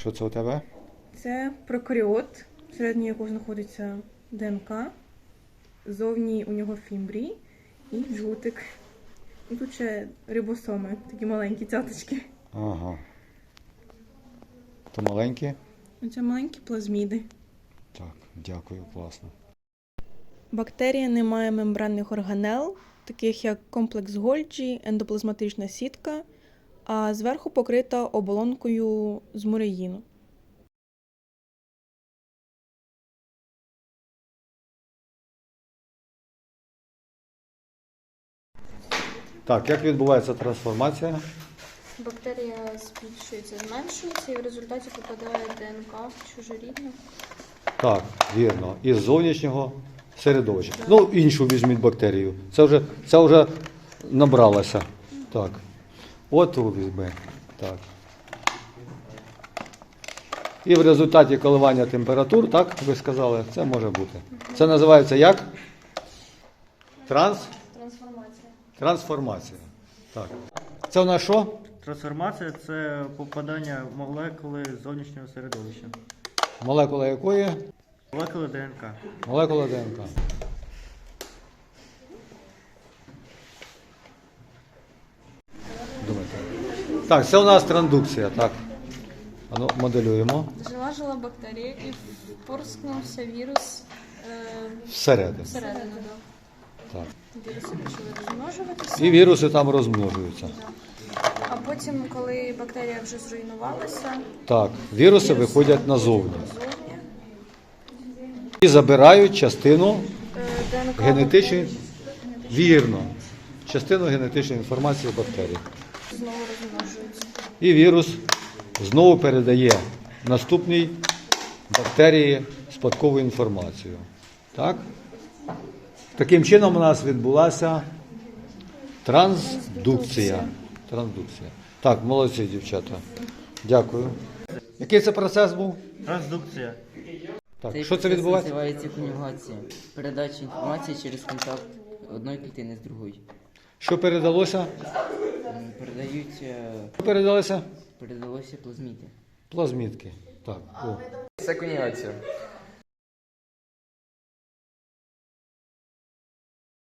Що це у тебе? Це прокаріот, всередині якого знаходиться ДНК. Зовні у нього фімбрій і жгутик. І тут ще рибосоми, такі маленькі цяточки. Ага. То маленькі? Це маленькі плазміди. Так, дякую, класно. Бактерія не має мембранних органел, таких як комплекс Гольджі, ендоплазматична сітка, а зверху покрита оболонкою з муреїну. Так, як відбувається трансформація? Бактерія збільшується, зменшується і в результаті попадає ДНК в чужорідну. Так, вірно. Із зовнішнього середовища. Ну, іншу візьміть бактерію. Це вже набралося. Так. От ту візьми. Так. І в результаті коливання температур, так, ви сказали, це може бути. Це називається як? Трансформація. Трансформація. Так. Це у нас що? Трансформація – це попадання молекули з зовнішнього середовища. Молекула якої? Молекули ДНК. Молекула ДНК. Думайте. Так, це у нас трансдукція, так. Ану, моделюємо. Жила бактерія і впорскнувся вірус Всередину. всередину. Так. Віруси почали розмножуватися. І віруси там розмножуються. А потім, коли бактерія вже зруйнувалася, Так, віруси виходять назовні. зовні І забирають частину ДНК генетичної, бактерій вірно, частину генетичної інформації бактерій. знову розмножується. І вірус знову передає наступній бактерії спадкову інформацію. Так? Таким чином у нас відбулася трансдукція. Трансдукція. Так, молодці, дівчата. Дякую. Який це процес був? Трансдукція. Так, Цей що це процес відбувається? називається конюгація. Передача інформації через контакт одної клітини з другою. Що передалося? Що передалося? Передалося плазміди. Плазмідки. Так. О. Це конюгація.